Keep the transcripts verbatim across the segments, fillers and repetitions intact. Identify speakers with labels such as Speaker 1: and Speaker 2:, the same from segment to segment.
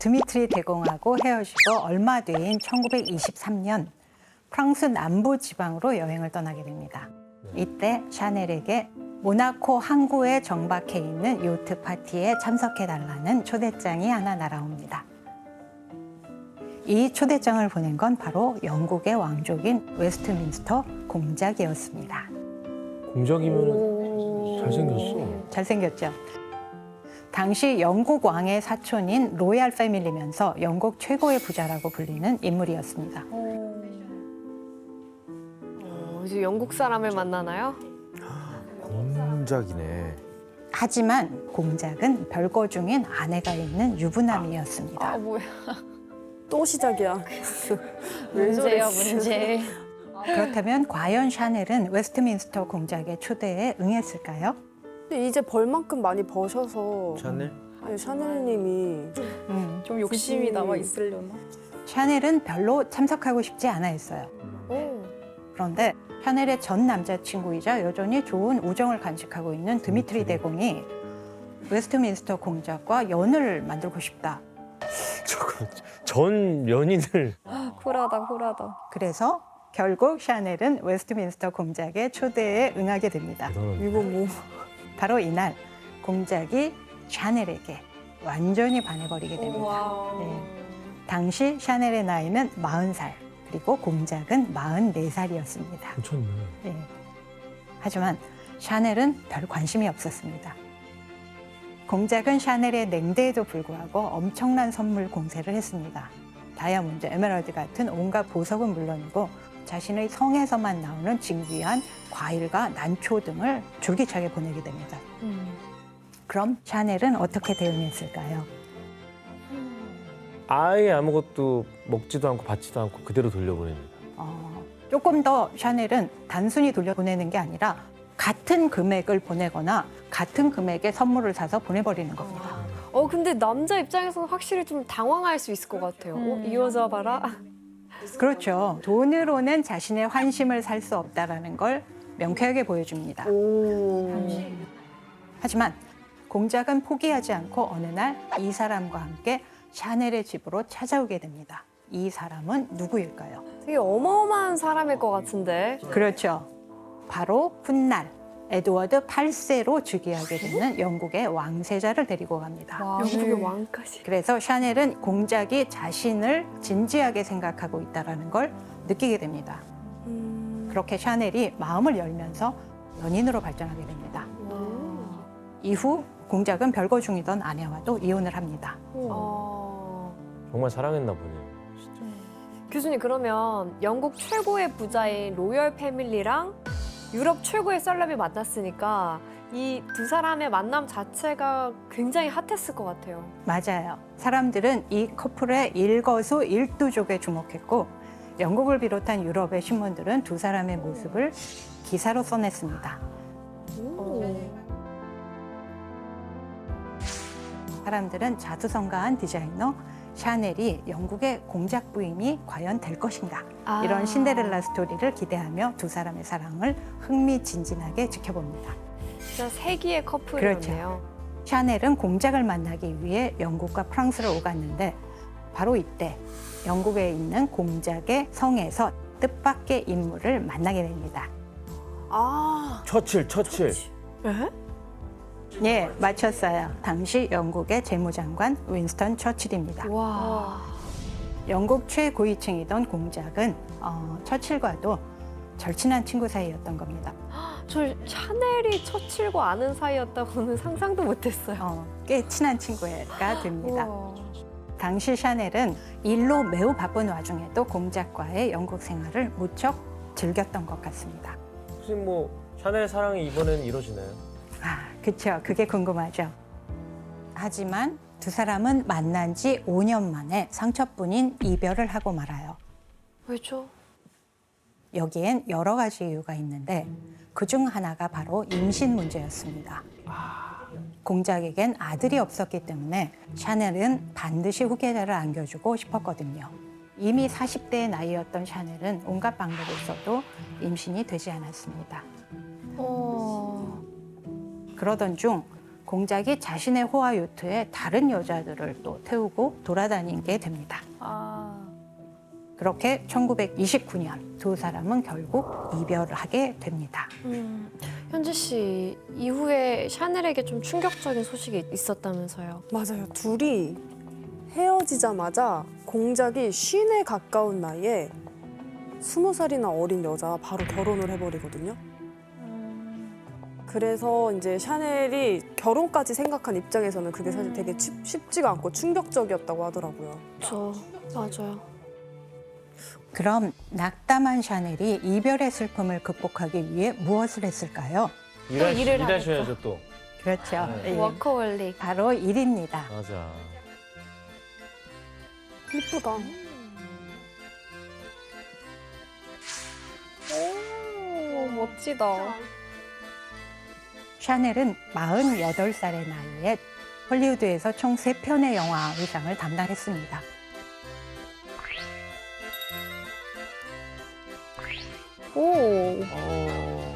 Speaker 1: 드미트리 대공하고 헤어지고 얼마 뒤인 천구백이십삼 년 프랑스 남부 지방으로 여행을 떠나게 됩니다. 이때 샤넬에게 모나코 항구에 정박해 있는 요트 파티에 참석해달라는 초대장이 하나 날아옵니다. 이 초대장을 보낸 건 바로 영국의 왕족인 웨스트민스터 공작이었습니다.
Speaker 2: 공작이면 잘생겼어.
Speaker 1: 잘생겼죠. 당시 영국 왕의 사촌인 로얄 패밀리면서 영국 최고의 부자라고 불리는 인물이었습니다.
Speaker 3: 어, 이제 영국 사람을 만나나요?
Speaker 2: 공작이네.
Speaker 1: 하지만 공작은 별거 중인 아내가 있는 유부남이었습니다.
Speaker 3: 아 뭐야?
Speaker 4: 또 시작이야.
Speaker 3: 문제야 문제.
Speaker 1: 그렇다면 과연 샤넬은 웨스트민스터 공작의 초대에 응했을까요?
Speaker 4: 근데 이제 벌만큼 많이 버셔서
Speaker 2: 샤넬?
Speaker 4: 아니, 샤넬님이
Speaker 1: 음,
Speaker 4: 좀 욕심이 남아 있으려나?
Speaker 1: 샤넬은 별로 참석하고 싶지 않아 했어요.
Speaker 3: 오.
Speaker 1: 그런데 샤넬의 전 남자친구이자 여전히 좋은 우정을 간직하고 있는 드미트리 대공이 웨스트민스터 공작과 연을 만들고 싶다.
Speaker 2: 저거 전 연인을
Speaker 3: 쿨하다 쿨하다.
Speaker 1: 그래서 결국 샤넬은 웨스트민스터 공작의 초대에 응하게 됩니다.
Speaker 2: 대단한데.
Speaker 4: 이거 뭐
Speaker 1: 바로 이날 공작이 샤넬에게 완전히 반해버리게 됩니다. 네. 당시 샤넬의 나이는 마흔 살, 그리고 공작은 마흔네 살이었습니다.
Speaker 2: 미쳤네.
Speaker 1: 네. 하지만 샤넬은 별 관심이 없었습니다. 공작은 샤넬의 냉대에도 불구하고 엄청난 선물 공세를 했습니다. 다이아몬드, 에메랄드 같은 온갖 보석은 물론이고 자신의 성에서만 나오는 진귀한 과일과 난초 등을 줄기차게 보내게 됩니다.
Speaker 3: 음.
Speaker 1: 그럼 샤넬은 어떻게 대응했을까요?
Speaker 2: 아예 아무것도 먹지도 않고 받지도 않고 그대로 돌려보냅니다.
Speaker 1: 어, 조금 더 샤넬은 단순히 돌려보내는 게 아니라 같은 금액을 보내거나 같은 금액의 선물을 사서 보내버리는 겁니다.
Speaker 3: 어 근데 남자 입장에서는 확실히 좀 당황할 수 있을 것 같아요. 어, 이 여자 봐라.
Speaker 1: 그렇죠. 돈으로는 자신의 환심을 살 수 없다는 걸 명쾌하게 보여줍니다. 하지만 공작은 포기하지 않고 어느 날 이 사람과 함께 샤넬의 집으로 찾아오게 됩니다. 이 사람은 누구일까요?
Speaker 3: 되게 어마어마한 사람일 것 같은데.
Speaker 1: 그렇죠. 바로 훗날 에드워드 팔 세로 즉위하게 되는 영국의 왕세자를 데리고 갑니다.
Speaker 3: 와, 영국의 왕까지.
Speaker 1: 그래서 샤넬은 공작이 자신을 진지하게 생각하고 있다는 걸 느끼게 됩니다. 그렇게 샤넬이 마음을 열면서 연인으로 발전하게 됩니다. 이후 공작은 별거 중이던 아내와도 이혼을 합니다.
Speaker 3: 어...
Speaker 2: 정말 사랑했나 보네요. 진짜.
Speaker 3: 교수님 그러면 영국 최고의 부자인 로열 패밀리랑 유럽 최고의 셀럽이 만났으니까 이 두 사람의 만남 자체가 굉장히 핫했을 것 같아요.
Speaker 1: 맞아요. 사람들은 이 커플의 일거수일투족에 주목했고 영국을 비롯한 유럽의 신문들은 두 사람의 모습을 기사로 써냈습니다.
Speaker 3: 오.
Speaker 1: 사람들은 자수성가한 디자이너 샤넬이 영국의 공작 부임이 과연 될 것인가
Speaker 3: 아.
Speaker 1: 이런 신데렐라 스토리를 기대하며 두 사람의 사랑을 흥미진진하게 지켜봅니다.
Speaker 3: 진짜 세기의 커플이었네요.
Speaker 1: 그렇죠. 샤넬은 공작을 만나기 위해 영국과 프랑스를 오갔는데 바로 이때 영국에 있는 공작의 성에서 뜻밖의 인물을 만나게 됩니다.
Speaker 4: 아
Speaker 2: 처칠, 처칠.
Speaker 3: 에?
Speaker 1: 예, 맞췄어요. 당시 영국의 재무장관 윈스턴 처칠입니다.
Speaker 3: 와.
Speaker 1: 영국 최고위층이던 공작은 어, 처칠과도 절친한 친구 사이였던 겁니다.
Speaker 3: 저 샤넬이 처칠과 아는 사이였다고는 상상도 못했어요.
Speaker 1: 어, 꽤 친한 친구가 됩니다.
Speaker 3: 우와.
Speaker 1: 당시 샤넬은 일로 매우 바쁜 와중에도 공작과의 영국 생활을 무척 즐겼던 것 같습니다.
Speaker 2: 혹시 뭐 샤넬 사랑이 이번엔 이루어지나요?
Speaker 1: 아, 그쵸. 그게 궁금하죠. 하지만 두 사람은 만난 지 오 년 만에 상처뿐인 이별을 하고 말아요.
Speaker 3: 왜죠?
Speaker 1: 여기엔 여러 가지 이유가 있는데 그중 하나가 바로 임신 문제였습니다. 공작에겐 아들이 없었기 때문에 샤넬은 반드시 후계자를 안겨주고 싶었거든요. 이미 사십 대의 나이였던 샤넬은 온갖 방법을 써도 임신이 되지 않았습니다.
Speaker 3: 어...
Speaker 1: 그러던 중 공작이 자신의 호화 요트에 다른 여자들을 또 태우고 돌아다니게 됩니다.
Speaker 3: 아.
Speaker 1: 그렇게 천구백이십구 년 두 사람은 결국 이별을 하게 됩니다.
Speaker 3: 음. 현지 씨 이후에 샤넬에게 좀 충격적인 소식이 있었다면서요.
Speaker 4: 맞아요. 둘이 헤어지자마자 공작이 쉰에 가까운 나이에 스무 살이나 어린 여자 바로 결혼을 해버리거든요. 그래서 이제 샤넬이 결혼까지 생각한 입장에서는 그게 사실 되게 쉽- 쉽지가 않고 충격적이었다고 하더라고요.
Speaker 3: 저 맞아요.
Speaker 1: 그럼 낙담한 샤넬이 이별의 슬픔을 극복하기 위해 무엇을 했을까요?
Speaker 2: 일하,
Speaker 3: 일을
Speaker 2: 일하셔야죠 또.
Speaker 1: 그렇죠.
Speaker 2: 네.
Speaker 1: 예,
Speaker 3: 워커홀릭.
Speaker 1: 바로 일입니다.
Speaker 2: 맞아.
Speaker 4: 이쁘다.
Speaker 3: 오, 멋지다.
Speaker 1: 샤넬은 마흔여덟 살의 나이에 헐리우드에서 총 세 편의 영화 의상을 담당했습니다.
Speaker 3: 오,
Speaker 2: 어.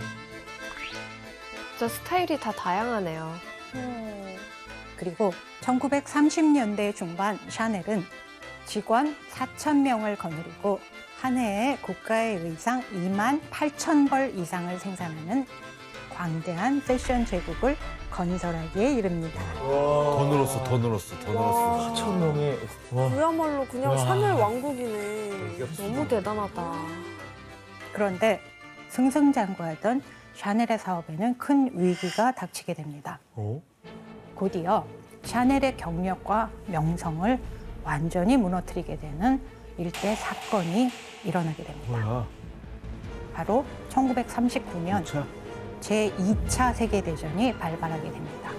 Speaker 3: 진짜 스타일이 다 다양하네요.
Speaker 1: 그리고 천구백삼십 년대 중반 샤넬은 직원 사천 명을 거느리고 한 해에 고가의 의상 이만 팔천 벌 이상을 생산하는 광대한 패션 제국을 건설하기에 이릅니다.
Speaker 5: 더 늘었어, 더 늘었어, 더 늘었어.
Speaker 2: 사천 명의 와.
Speaker 4: 그야말로 그냥
Speaker 2: 와.
Speaker 4: 샤넬 왕국이네.
Speaker 3: 너무 대단하다.
Speaker 1: 그런데 승승장구하던 샤넬의 사업에는 큰 위기가 닥치게 됩니다.
Speaker 2: 어?
Speaker 1: 곧이어 샤넬의 경력과 명성을 완전히 무너뜨리게 되는 일대 사건이 일어나게 됩니다.
Speaker 2: 뭐야?
Speaker 1: 바로 천구백삼십구 년
Speaker 2: 자.
Speaker 1: 제이 차 세계대전이 발발하게 됩니다.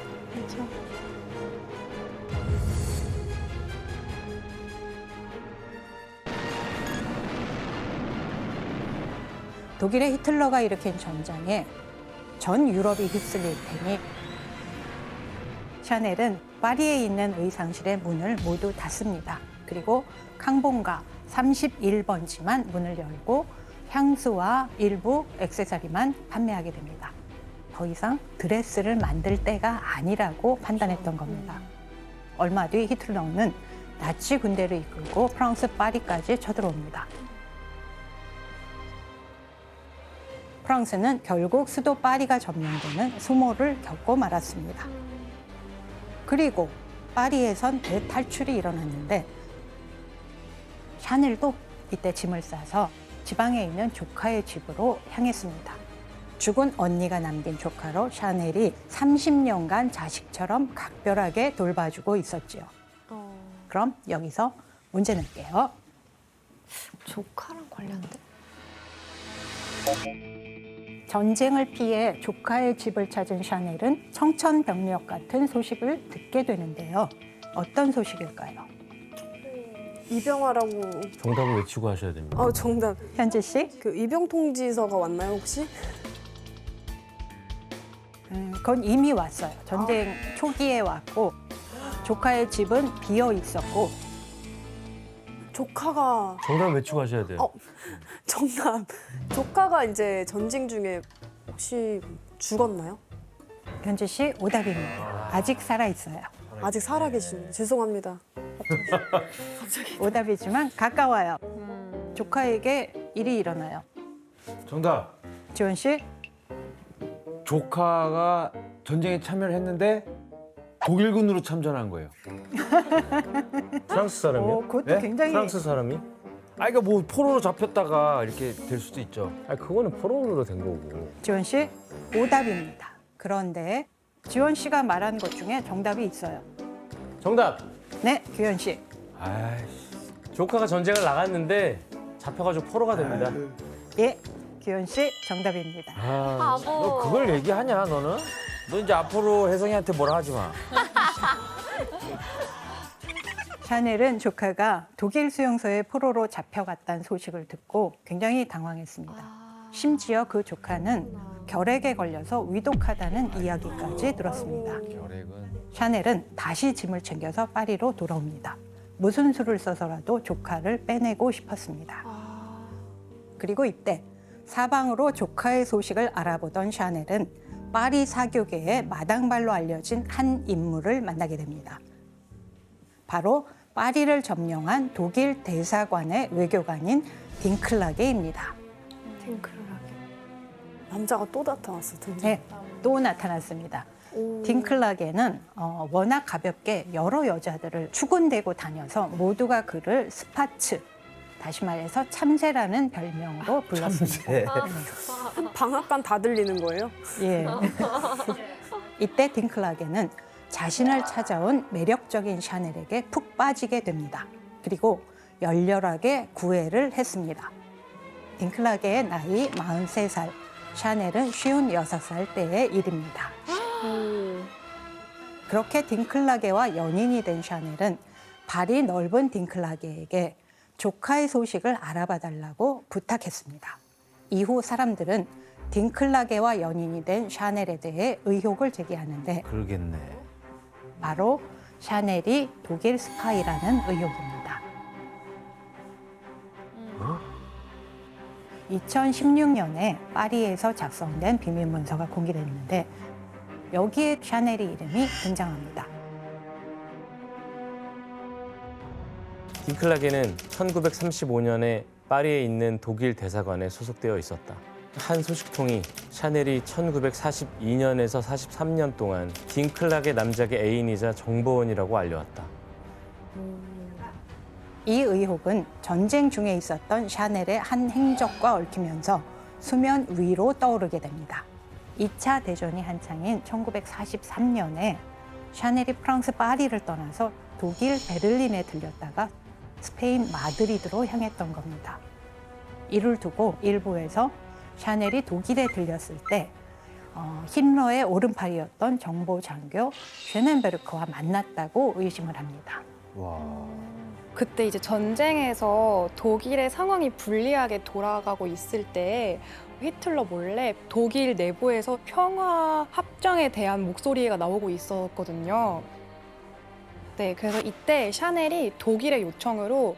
Speaker 1: 독일의 히틀러가 일으킨 전장에 전 유럽이 휩쓸릴 테니 샤넬은 파리에 있는 의상실의 문을 모두 닫습니다. 그리고 캉봉가 삼십일 번지만 문을 열고 향수와 일부 액세서리만 판매하게 됩니다. 더 이상 드레스를 만들 때가 아니라고 판단했던 겁니다. 얼마 뒤 히틀러는 나치 군대를 이끌고 프랑스 파리까지 쳐들어옵니다. 프랑스는 결국 수도 파리가 점령되는 수모를 겪고 말았습니다. 그리고 파리에선 대탈출이 일어났는데 샤넬도 이때 짐을 싸서 지방에 있는 조카의 집으로 향했습니다. 죽은 언니가 남긴 조카로 샤넬이 삼십 년간 자식처럼 각별하게 돌봐주고 있었지요.
Speaker 3: 어,
Speaker 1: 그럼 여기서 문제 낼게요.
Speaker 3: 조카랑 관련된?
Speaker 1: 전쟁을 피해 조카의 집을 찾은 샤넬은 청천벽력 같은 소식을 듣게 되는데요. 어떤 소식일까요?
Speaker 4: 입영하라고.
Speaker 2: 정답을 외치고 하셔야 됩니다.
Speaker 4: 아 정답.
Speaker 1: 현지 씨?
Speaker 4: 그 입영 통지서가 왔나요 혹시?
Speaker 1: 음, 그건 이미 왔어요. 전쟁 초기에 왔고 조카의 집은 비어 있었고
Speaker 4: 조카가
Speaker 2: 정답 외치고 하셔야 돼요.
Speaker 4: 어. 정답. 조카가 이제 전쟁 중에 혹시 죽었나요?
Speaker 1: 현지 씨 오답입니다. 아직 살아 있어요.
Speaker 4: 아직 살아계시네요. 죄송합니다.
Speaker 1: 오답이지만 가까워요. 조카에게 일이 일어나요.
Speaker 5: 정답.
Speaker 1: 지원 씨?
Speaker 5: 조카가 전쟁에 참여를 했는데 독일군으로 참전한 거예요.
Speaker 2: 프랑스 사람이요?
Speaker 1: 오, 그것도
Speaker 5: 네?
Speaker 1: 굉장히
Speaker 2: 프랑스 사람이?
Speaker 5: 아, 그러니까 뭐 포로로 잡혔다가 이렇게 될 수도 있죠.
Speaker 2: 아, 그거는 포로로 된 거고.
Speaker 1: 지원 씨 오답입니다. 그런데 지원 씨가 말한 것 중에 정답이 있어요.
Speaker 2: 정답.
Speaker 1: 네, 규현 씨.
Speaker 5: 아이씨.
Speaker 2: 조카가 전쟁을 나갔는데 잡혀가지고 포로가 됩니다.
Speaker 1: 예, 규현 씨 정답입니다.
Speaker 2: 아,
Speaker 3: 바보.
Speaker 5: 너 그걸 얘기하냐, 너는? 너 이제 앞으로 혜성이한테 뭐라 하지 마.
Speaker 1: 샤넬은 조카가 독일 수용소에 포로로 잡혀갔다는 소식을 듣고 굉장히 당황했습니다. 심지어 그 조카는 결핵에 걸려서 위독하다는 이야기까지 들었습니다.
Speaker 5: 결핵은.
Speaker 1: 샤넬은 다시 짐을 챙겨서 파리로 돌아옵니다. 무슨 수를 써서라도 조카를 빼내고 싶었습니다. 그리고 이때 사방으로 조카의 소식을 알아보던 샤넬은 파리 사교계의 마당발로 알려진 한 인물을 만나게 됩니다. 바로 파리를 점령한 독일 대사관의 외교관인 딩클라게입니다.
Speaker 3: 탱크를 하게.
Speaker 4: 남자가 또 나타났어 등장.
Speaker 1: 네, 또 나타났습니다.
Speaker 4: 오.
Speaker 1: 딩클라게는 어, 워낙 가볍게 여러 여자들을 추근대고 다녀서 모두가 그를 스파츠, 다시 말해서 참새라는 별명으로 불렀습니다.
Speaker 2: 네.
Speaker 4: 방앗간 다 들리는 거예요?
Speaker 1: 예. 이때 딩클라게는 자신을 찾아온 매력적인 샤넬에게 푹 빠지게 됩니다. 그리고 열렬하게 구애를 했습니다. 딩클라게의 나이 마흔세 살, 샤넬은 쉰여섯 살 때의 일입니다. 그렇게 딩클라게와 연인이 된 샤넬은 발이 넓은 딩클라게에게 조카의 소식을 알아봐 달라고 부탁했습니다. 이후 사람들은 딩클라게와 연인이 된 샤넬에 대해 의혹을 제기하는데
Speaker 5: 그러겠네.
Speaker 1: 바로 샤넬이 독일 스파이라는 의혹입니다. 이천십육 년에 파리에서 작성된 비밀 문서가 공개됐는데 여기에 샤넬의 이름이 등장합니다.
Speaker 2: 딩클라게는 천구백삼십오 년에 파리에 있는 독일 대사관에 소속되어 있었다. 한 소식통이 샤넬이 천구백사십이 년에서 사십삼 년 동안 딩클라게 남작의 애인이자 정보원이라고 알려왔다.
Speaker 1: 이 의혹은 전쟁 중에 있었던 샤넬의 한 행적과 얽히면서 수면 위로 떠오르게 됩니다. 이 차 대전이 한창인 천구백사십삼 년에 샤넬이 프랑스 파리를 떠나서 독일 베를린에 들렸다가 스페인 마드리드로 향했던 겁니다. 이를 두고 일부에서 샤넬이 독일에 들렸을 때 어, 힘러의 오른팔이었던 정보 장교 쉐넨베르크와 만났다고 의심을 합니다.
Speaker 5: 와.
Speaker 6: 그때 이제 전쟁에서 독일의 상황이 불리하게 돌아가고 있을 때 히틀러 몰래 독일 내부에서 평화 합정에 대한 목소리가 나오고 있었거든요. 네, 그래서 이때 샤넬이 독일의 요청으로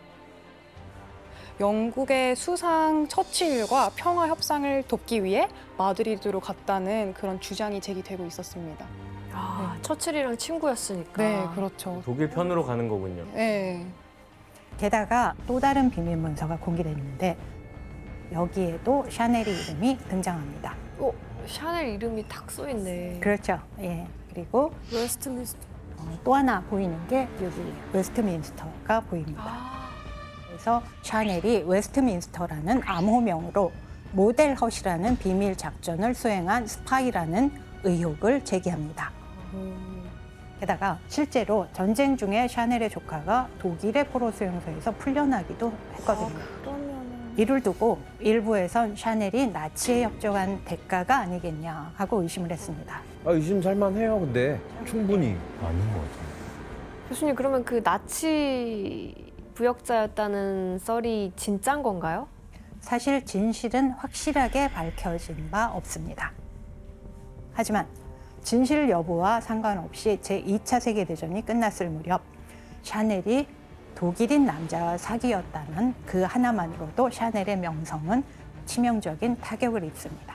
Speaker 6: 영국의 수상 처칠과 평화 협상을 돕기 위해 마드리드로 갔다는 그런 주장이 제기되고 있었습니다.
Speaker 3: 아, 처칠이랑 친구였으니까.
Speaker 6: 네, 그렇죠.
Speaker 2: 독일 편으로 가는 거군요.
Speaker 6: 네.
Speaker 1: 게다가 또 다른 비밀 문서가 공개됐는데 여기에도 샤넬의 이름이 등장합니다.
Speaker 3: 어, 샤넬 이름이 탁 써있네.
Speaker 1: 그렇죠. 예. 그리고
Speaker 4: 웨스트민스터.
Speaker 1: 어, 또 하나 보이는 게 여기 웨스트민스터가 보입니다.
Speaker 3: 아,
Speaker 1: 그래서 샤넬이 웨스트민스터라는 암호명으로 모델 헛이라는 비밀 작전을 수행한 스파이라는 의혹을 제기합니다. 게다가 실제로 전쟁 중에 샤넬의 조카가 독일의 포로 수용소에서 풀려나기도 했거든요.
Speaker 3: 그러면은.
Speaker 1: 이를 두고 일부에선 샤넬이 나치에 협조한 대가가 아니겠냐 하고 의심을 했습니다.
Speaker 5: 아, 의심 살만해요, 근데. 충분히.
Speaker 2: 아닌 것 같아요.
Speaker 3: 교수님, 그러면 그 나치 부역자였다는 썰이 진짠 건가요?
Speaker 1: 사실 진실은 확실하게 밝혀진 바 없습니다. 하지만 진실 여부와 상관없이 제이 차 세계대전이 끝났을 무렵 샤넬이 독일인 남자와 사귀었다는 그 하나만으로도 샤넬의 명성은 치명적인 타격을 입습니다.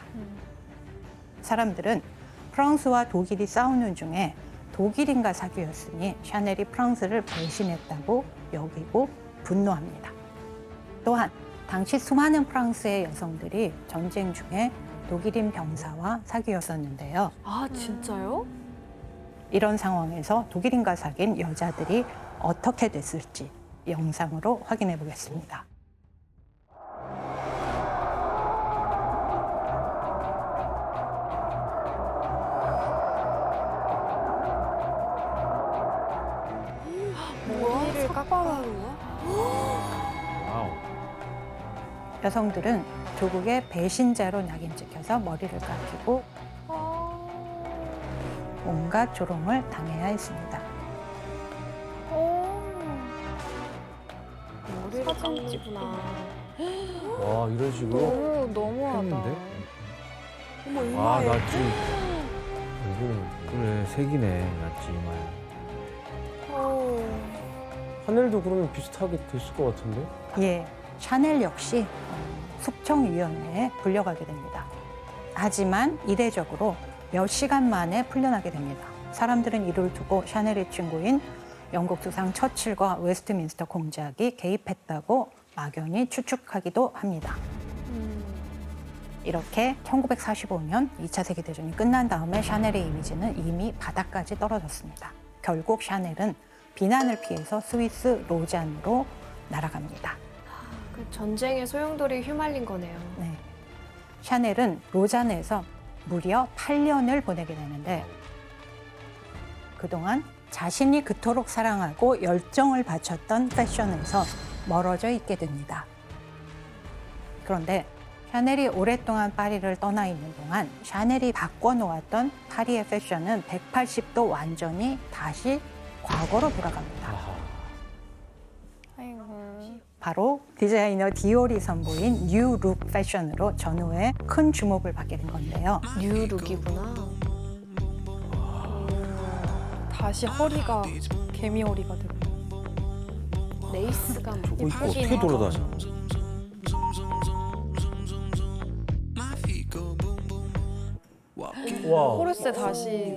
Speaker 1: 사람들은 프랑스와 독일이 싸우는 중에 독일인과 사귀었으니 샤넬이 프랑스를 배신했다고 여기고 분노합니다. 또한 당시 수많은 프랑스의 여성들이 전쟁 중에 독일인 병사와 사귀었었는데요.
Speaker 3: 아, 진짜요?
Speaker 1: 이런 상황에서 독일인과 사귄 여자들이 어떻게 됐을지 영상으로 확인해 보겠습니다.
Speaker 4: 머리를 깎아가는 거야?
Speaker 5: 와우.
Speaker 1: 여성들은 조국의 배신자로 낙인 찍혀서 머리를 깎이고 온갖 조롱을 당해야 했습니다.
Speaker 3: 머리를 깎지구나.
Speaker 2: 와, 이런 식으로?
Speaker 6: 너무 너무하다.
Speaker 5: 했는데?
Speaker 4: 어머
Speaker 5: 아,
Speaker 4: 이마에.
Speaker 5: 나 지금. 이거, 그래, 색이네, 나 지금 이마에.
Speaker 2: 하늘도 그러면 비슷하게 됐을 것 같은데?
Speaker 1: 예, 샤넬 역시 어, 숙청위원회에 불려가게 됩니다. 하지만 이례적으로 몇 시간 만에 풀려나게 됩니다. 사람들은 이를 두고 샤넬의 친구인 영국 수상 처칠과 웨스트민스터 공작이 개입했다고 막연히 추측하기도 합니다. 이렇게 천구백사십오 년 이 차 세계대전이 끝난 다음에 샤넬의 이미지는 이미 바닥까지 떨어졌습니다. 결국 샤넬은 비난을 피해서 스위스 로잔으로 날아갑니다.
Speaker 3: 그 전쟁의 소용돌이 휘말린 거네요.
Speaker 1: 네. 샤넬은 로잔에서 무려 팔 년을 보내게 되는데 그동안 자신이 그토록 사랑하고 열정을 바쳤던 패션에서 멀어져 있게 됩니다. 그런데 샤넬이 오랫동안 파리를 떠나 있는 동안 샤넬이 바꿔놓았던 파리의 패션은 백팔십 도 완전히 다시 과거로 돌아갑니다.
Speaker 6: 아이고.
Speaker 1: 바로 디자이너 디올이 선보인 뉴 룩 패션으로 전후에 큰 주목을 받게 된 건데요.
Speaker 3: 뉴룩이구나.
Speaker 6: 다시 허리가 개미 허리가 되고.
Speaker 3: 레이스가
Speaker 5: 어, 이거
Speaker 6: 예쁘긴
Speaker 5: 어떻게
Speaker 6: 하다.
Speaker 5: 돌아다녀?
Speaker 2: 와.
Speaker 6: 코르세 다시.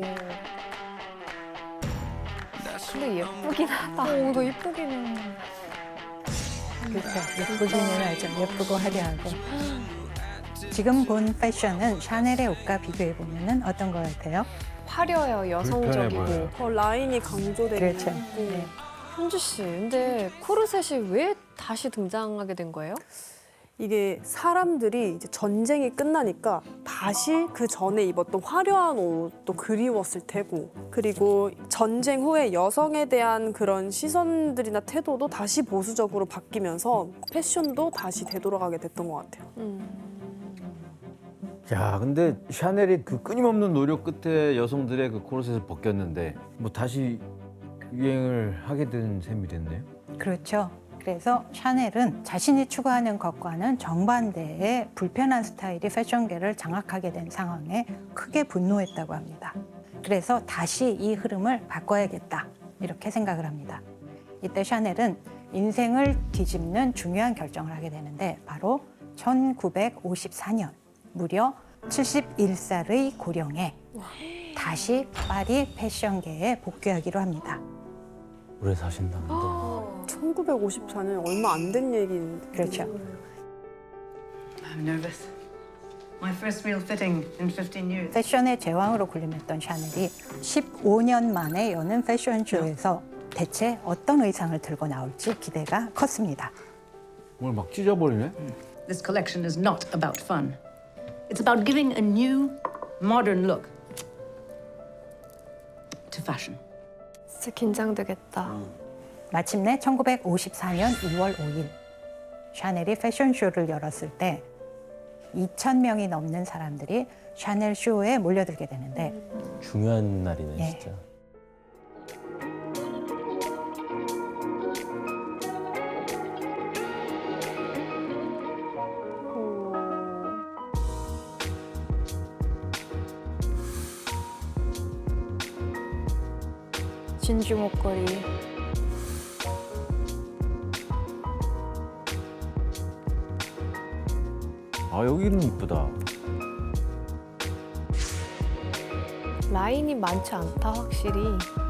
Speaker 3: 근데 예쁘긴 하다.
Speaker 6: 어, 더 예쁘기는.
Speaker 1: 그렇죠. 예쁘기는 하죠. 예쁘고 화려하고. 지금 본 패션은 샤넬의 옷과 비교해보면 어떤 것 같아요?
Speaker 3: 화려해요, 여성적이고.
Speaker 5: 불편해 보여요.
Speaker 4: 더 라인이 강조되는.
Speaker 1: 그렇죠. 네.
Speaker 3: 현주 씨, 근데 코르셋이 왜 다시 등장하게 된 거예요?
Speaker 4: 이게 사람들이 이제 전쟁이 끝나니까 다시 그 전에 입었던 화려한 옷도 그리웠을 테고, 그리고 전쟁 후에 여성에 대한 그런 시선들이나 태도도 다시 보수적으로 바뀌면서 패션도 다시 되돌아가게 됐던 것 같아요.
Speaker 3: 음.
Speaker 5: 야, 근데 샤넬이 그 끊임없는 노력 끝에 여성들의 그 코르셋을 벗겼는데 뭐 다시 유행을 하게 된 셈이 됐네요.
Speaker 1: 그렇죠. 그래서 샤넬은 자신이 추구하는 것과는 정반대의 불편한 스타일이 패션계를 장악하게 된 상황에 크게 분노했다고 합니다. 그래서 다시 이 흐름을 바꿔야겠다 이렇게 생각을 합니다. 이때 샤넬은 인생을 뒤집는 중요한 결정을 하게 되는데 바로 천구백오십사 년 무려 칠십일 살의 고령에 다시 파리 패션계에 복귀하기로 합니다.
Speaker 2: 오래 사신다.
Speaker 4: 천구백오십사 년 얼마 안 된 얘기인데.
Speaker 1: 그렇죠.
Speaker 7: I'm nervous. My first real fitting in fifteen years.
Speaker 1: 패션의 제왕으로 군림했던 샤넬이 십오 년 만에 여는 패션쇼에서 대체 어떤 의상을 들고 나올지 기대가 컸습니다.
Speaker 5: 뭘 막 찢어버리네?
Speaker 7: This collection is not about fun. It's about giving a new, modern look to fashion.
Speaker 3: 진짜 긴장되겠다.
Speaker 1: 마침내 천구백오십사 년 이월 오일 샤넬이 패션쇼를 열었을 때 이천 명이 넘는 사람들이 샤넬 쇼에 몰려들게 되는데
Speaker 2: 중요한 날이네,
Speaker 1: 예.
Speaker 2: 진짜.
Speaker 6: 진주 목걸이.
Speaker 5: 아, 여기는 이쁘다.
Speaker 3: 라인이 많지 않다, 확실히.